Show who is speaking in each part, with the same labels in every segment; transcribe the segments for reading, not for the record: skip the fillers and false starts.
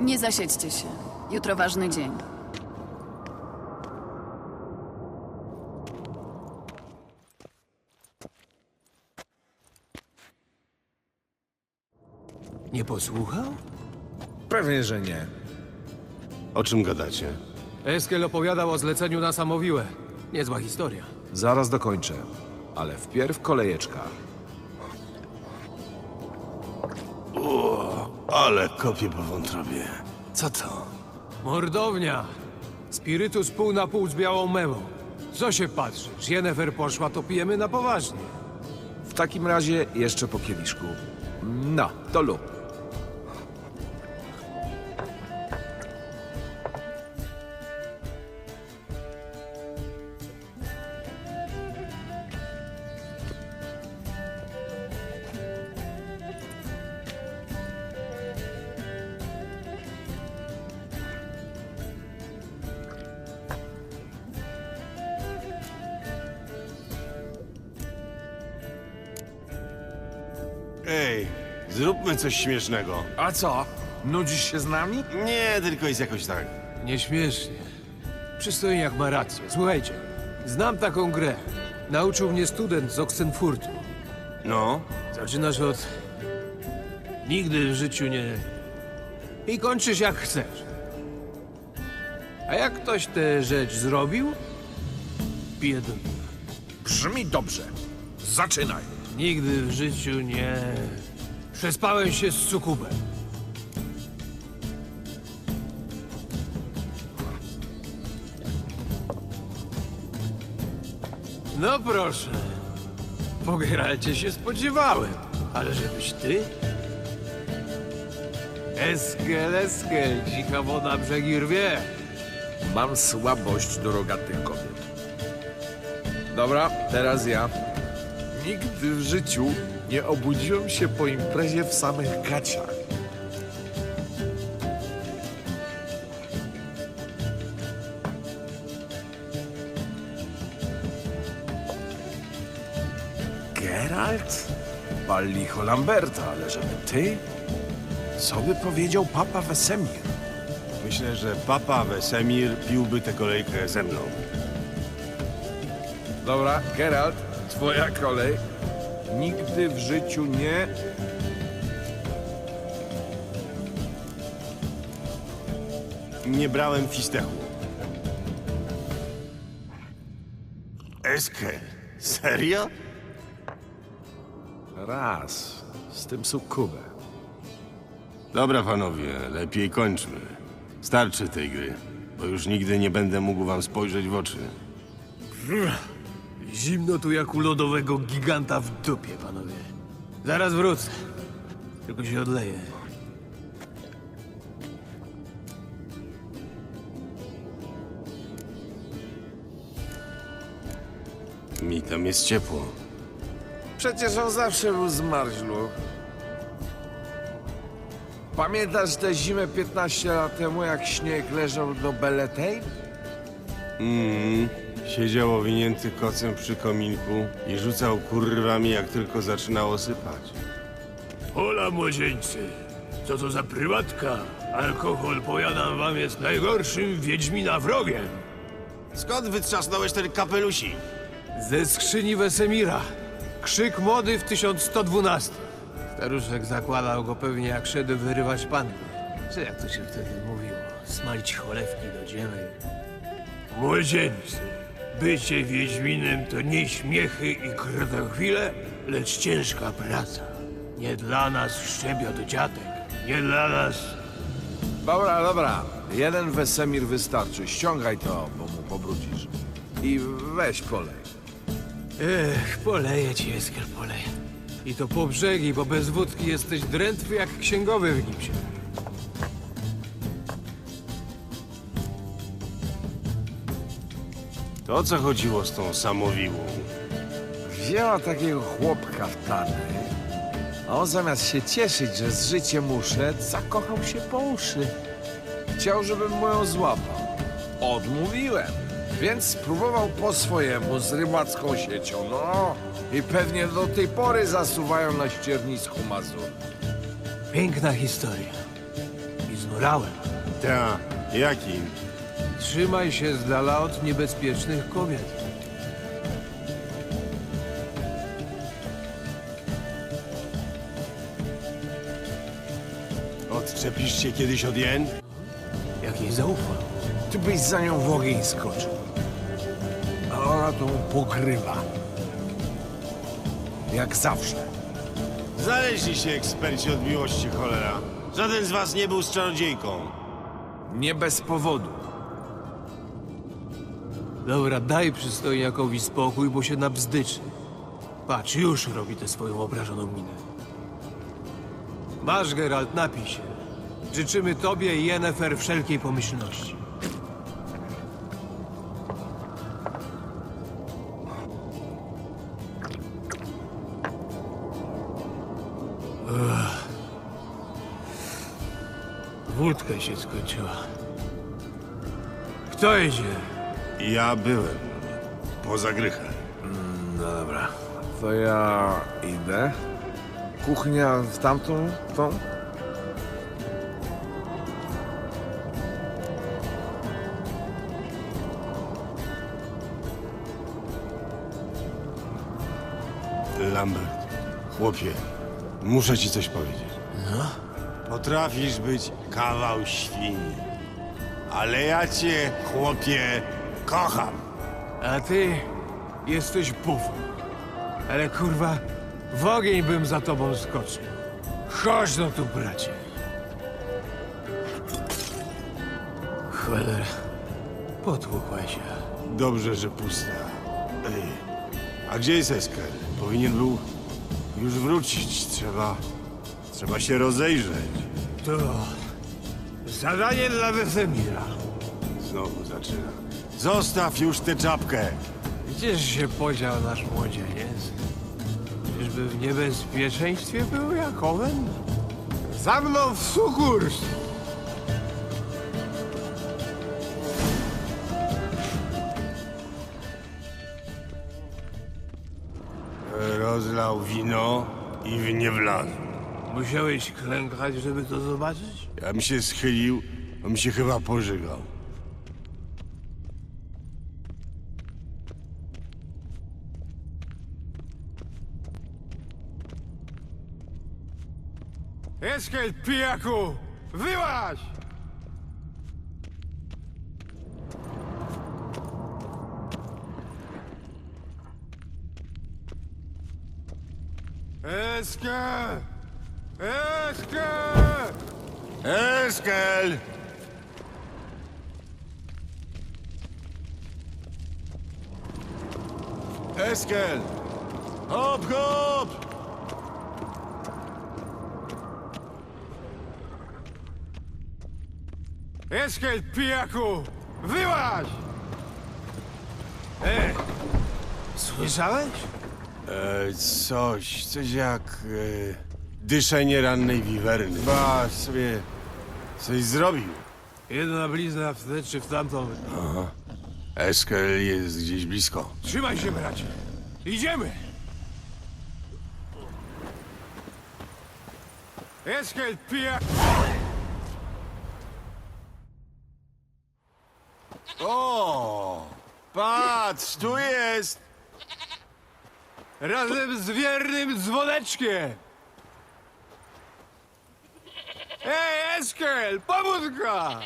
Speaker 1: Nie zasiedźcie się. Jutro ważny dzień.
Speaker 2: Nie posłuchał?
Speaker 3: Pewnie, że nie.
Speaker 4: O czym gadacie?
Speaker 2: Eskel opowiadał o zleceniu na Samowiłę. Niezła historia.
Speaker 3: Zaraz dokończę. Ale wpierw kolejeczka.
Speaker 4: Ale kopię po wątrobie. Co to?
Speaker 2: Mordownia. Spirytus pół na pół z białą mewą. Co się patrzysz? Jennefer poszła, to pijemy na poważnie.
Speaker 3: W takim razie jeszcze po kieliszku. No, to lub.
Speaker 4: Ej, zróbmy coś śmiesznego.
Speaker 3: A co? Nudzisz się z nami?
Speaker 4: Nie, tylko jest jakoś tak.
Speaker 2: Nieśmiesznie. Przystojniak ma rację. Słuchajcie, znam taką grę. Nauczył mnie student z Oxenfurtu.
Speaker 4: No,
Speaker 2: Zaczynasz od... Nigdy w życiu nie... I kończysz jak chcesz. A jak ktoś tę rzecz zrobił? Pije do piwa.
Speaker 3: Brzmi dobrze. Zaczynaj.
Speaker 2: Nigdy w życiu nie... Przespałem się z sukubem. No proszę. Po Geralcie się spodziewałem. Ale żebyś ty? Eskel, dzika woda brzegi rwie.
Speaker 3: Mam słabość do rogatych kobiet. Dobra, teraz ja. Nigdy w życiu nie obudziłem się po imprezie w samych gaciach. Geralt? Pal licho Lamberta, ale żeby ty? Co by powiedział papa Wesemir?
Speaker 4: myślę, że papa Wesemir piłby tę kolejkę ze mną.
Speaker 3: Dobra, Geralt, twoja kolej. Nigdy w życiu nie...
Speaker 4: Nie brałem fistechu. Eskel, serio?
Speaker 3: Raz. Z tym sukubem.
Speaker 4: Dobra, panowie, lepiej kończmy. Starczy tej gry, bo już nigdy nie będę mógł wam spojrzeć w oczy.
Speaker 2: Zimno tu jak u lodowego giganta w dupie, panowie. Zaraz wrócę. Tylko się odleję.
Speaker 4: Mi tam jest ciepło.
Speaker 3: Przecież on zawsze był zmarzlu. Pamiętasz tę zimę 15 lat temu, jak śnieg leżał do Beletej?
Speaker 4: Siedział owinięty kocem przy kominku i rzucał kurwami, jak tylko zaczynało sypać.
Speaker 2: Hola, młodzieńcy. Co to za prywatka? Alkohol, powiadam wam, jest najgorszym wiedźmina wrogiem.
Speaker 4: Skąd wytrzasnąłeś ten kapelusik?
Speaker 2: Ze skrzyni Wesemira. Krzyk mody w 1112. Staruszek zakładał go pewnie jak szedł wyrywać panny. Czy jak to się wtedy mówiło? Smalić cholewki do dzieły. Młodzieńcy, bycie wiedźminem to nie śmiechy i krotochwile, lecz ciężka praca. Nie dla nas szczebiot dziadek, nie dla nas...
Speaker 3: Dobra, dobra. Jeden Wesemir wystarczy. Ściągaj to, bo mu pobrudzisz. I weź polej.
Speaker 2: Ech, poleję ci, Eskel, poleję. I to po brzegi, bo bez wódki jesteś drętwy jak księgowy w gipsie.
Speaker 4: To o co chodziło z tą samowiłą?
Speaker 3: Wzięła takiego chłopka w tany, a on zamiast się cieszyć, że z życiem uszedł, zakochał się po uszy. Chciał, żebym mu ją złapał. Odmówiłem, więc spróbował po swojemu z rybacką siecią, no. I pewnie do tej pory zasuwają na ściernisku Mazur.
Speaker 2: Piękna historia. I ci z morałem.
Speaker 4: Ta, jakim?
Speaker 2: Trzymaj się z dala od niebezpiecznych kobiet.
Speaker 4: Odczepisz się kiedyś od jen?
Speaker 2: Jak jej zaufam.
Speaker 3: Ty byś za nią w ogień skoczył. A ona to pokrywa. Jak zawsze.
Speaker 4: Znaleźli się eksperci od miłości, cholera. Żaden z was nie był z czarodziejką.
Speaker 3: Nie bez powodu.
Speaker 2: Dobra, daj przystojniakowi spokój, bo się nabzdyczy. Patrz, już robi tę swoją obrażoną minę. Masz, Geralt, napij się. Życzymy tobie i Yennefer wszelkiej pomyślności. Wódka się skończyła. Kto idzie?
Speaker 4: Ja byłem. Poza grychem.
Speaker 3: No dobra. To ja idę. Kuchnia w tamtą, tą?
Speaker 4: Lambert, chłopie, muszę ci coś powiedzieć. No? Potrafisz być kawał świni. Ale ja cię, chłopie, kocham.
Speaker 2: A ty jesteś bufą. Ale kurwa, w ogień bym za tobą skoczył. Chodź no tu, bracie. Cholera, potłukła się.
Speaker 4: Dobrze, że pusta. Ej, a gdzie jest Esker? Powinien był już wrócić. Trzeba się rozejrzeć.
Speaker 2: To zadanie dla Wesemira.
Speaker 4: Znowu zaczyna. Zostaw już tę czapkę.
Speaker 2: Gdzież się podział nasz młodzieniec? Czyżby w niebezpieczeństwie był jak owen? Za mną w sukurs!
Speaker 4: Rozlał wino i w nie wlazł.
Speaker 2: Musiałeś klękać, żeby to zobaczyć?
Speaker 4: Ja bym się schylił, on mi się chyba pożygał.
Speaker 2: Eskel, pijaku! Wyłaź! Eskel! Eskel!
Speaker 4: Eskel! Eskel! Hop, hop!
Speaker 2: Eskel, pijaku! Wyłaź! Słyszałeś?
Speaker 4: Coś jak dyszenie rannej wiwerny. Ba, sobie coś zrobił.
Speaker 2: Jedna blizna w tę czy w tamtą.
Speaker 4: Eskel jest gdzieś blisko.
Speaker 2: Trzymaj się, bracie. Idziemy! Eskel, pijaku!
Speaker 4: O! Patrz, tu jest!
Speaker 2: Razem z wiernym dzwoneczkiem! Ej, Eskel, pobudka!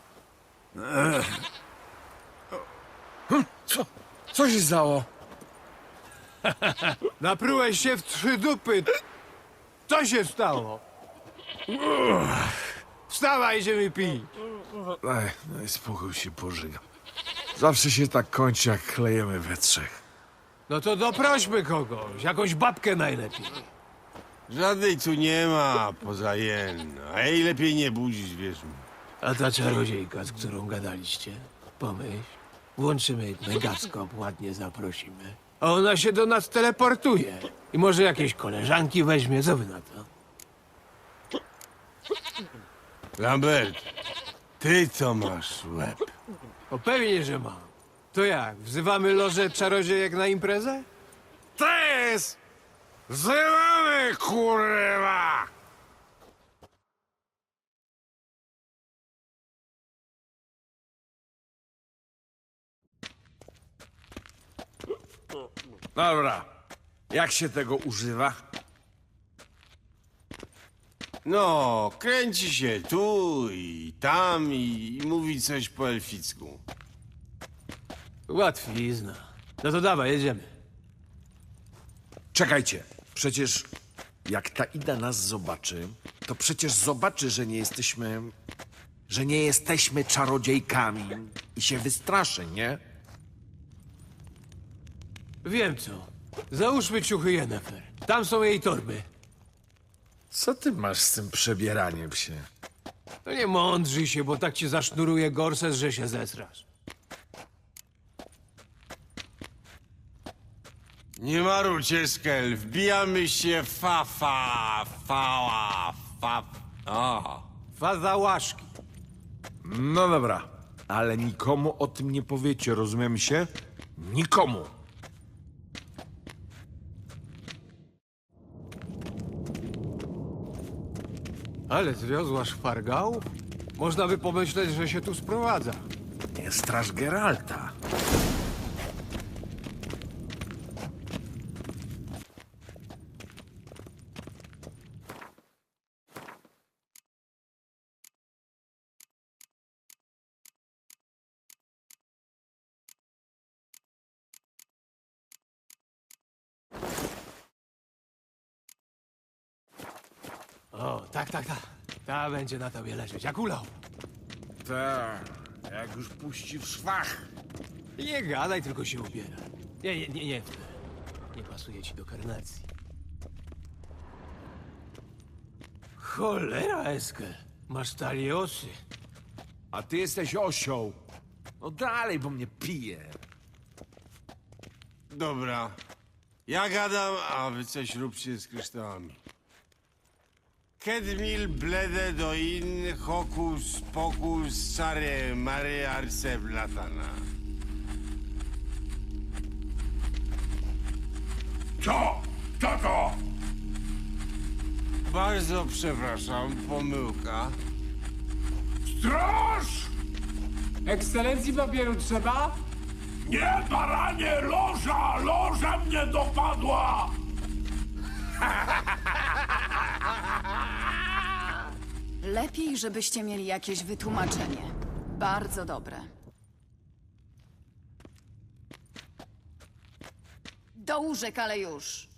Speaker 3: Co się stało?
Speaker 2: Naprułeś się w 3 dupy. Co się stało? Wstawaj, idziemy pić.
Speaker 3: Ej, no i spokój się pożygam. Zawsze się tak kończy, jak klejemy we trzech.
Speaker 2: No to doprośmy kogoś, jakąś babkę najlepiej.
Speaker 4: Żadnej tu nie ma poza jen. A jej lepiej nie budzić, wiesz mi.
Speaker 2: A ta czarodziejka, z którą gadaliście? Pomyśl, włączymy megaskop, ładnie zaprosimy. A ona się do nas teleportuje. I może jakieś koleżanki weźmie, co wy na to?
Speaker 4: Lambert, ty to masz łeb.
Speaker 2: O pewnie, że mam. To jak, wzywamy lożę czarodziejek na imprezę?
Speaker 3: To jest! Wzywamy, kurwa! Dobra. Jak się tego używa?
Speaker 4: No, kręci się tu i tam i mówi coś po elficku.
Speaker 2: Łatwizna. No to dawaj, jedziemy.
Speaker 3: Czekajcie. Przecież jak ta Ida nas zobaczy, to przecież zobaczy, że nie jesteśmy czarodziejkami i się wystraszy, nie?
Speaker 2: Wiem co. Załóżmy ciuchy Yennefer. Tam są jej torby.
Speaker 3: Co ty masz z tym przebieraniem się?
Speaker 2: No nie mądrzyj się, bo tak ci zasznuruje gorset, że się zesrasz.
Speaker 4: Nie marujcie, Skel, wbijamy się O,
Speaker 2: Faza łaszki.
Speaker 3: No dobra, ale nikomu o tym nie powiecie, rozumiemy się? Nikomu.
Speaker 2: Ale zwiozła szpargał? Można by pomyśleć, że się tu sprowadza.
Speaker 3: Nie straż Geralta.
Speaker 2: O, tak. Ta będzie na tobie leżeć, jak ulał.
Speaker 3: Tak, jak już puści w szwach.
Speaker 2: Nie gadaj, tylko się ubiera. Nie. Nie pasuje ci do karnacji. Cholera, Eskel. Masz taliosy.
Speaker 3: A ty jesteś osioł. No dalej, bo mnie pije.
Speaker 4: dobra. Ja gadam, a wy coś róbcie z kryształami. Kedmil blede do in hokus pokus sare mare arse blatana.
Speaker 5: Co? Co to?
Speaker 4: Bardzo przepraszam, pomyłka.
Speaker 5: Straż!
Speaker 6: Ekscelencji papieru trzeba?
Speaker 5: Nie, baranie, loża! Loża mnie dopadła!
Speaker 1: Lepiej, żebyście mieli jakieś wytłumaczenie. Bardzo dobre. Do łóżek, ale już.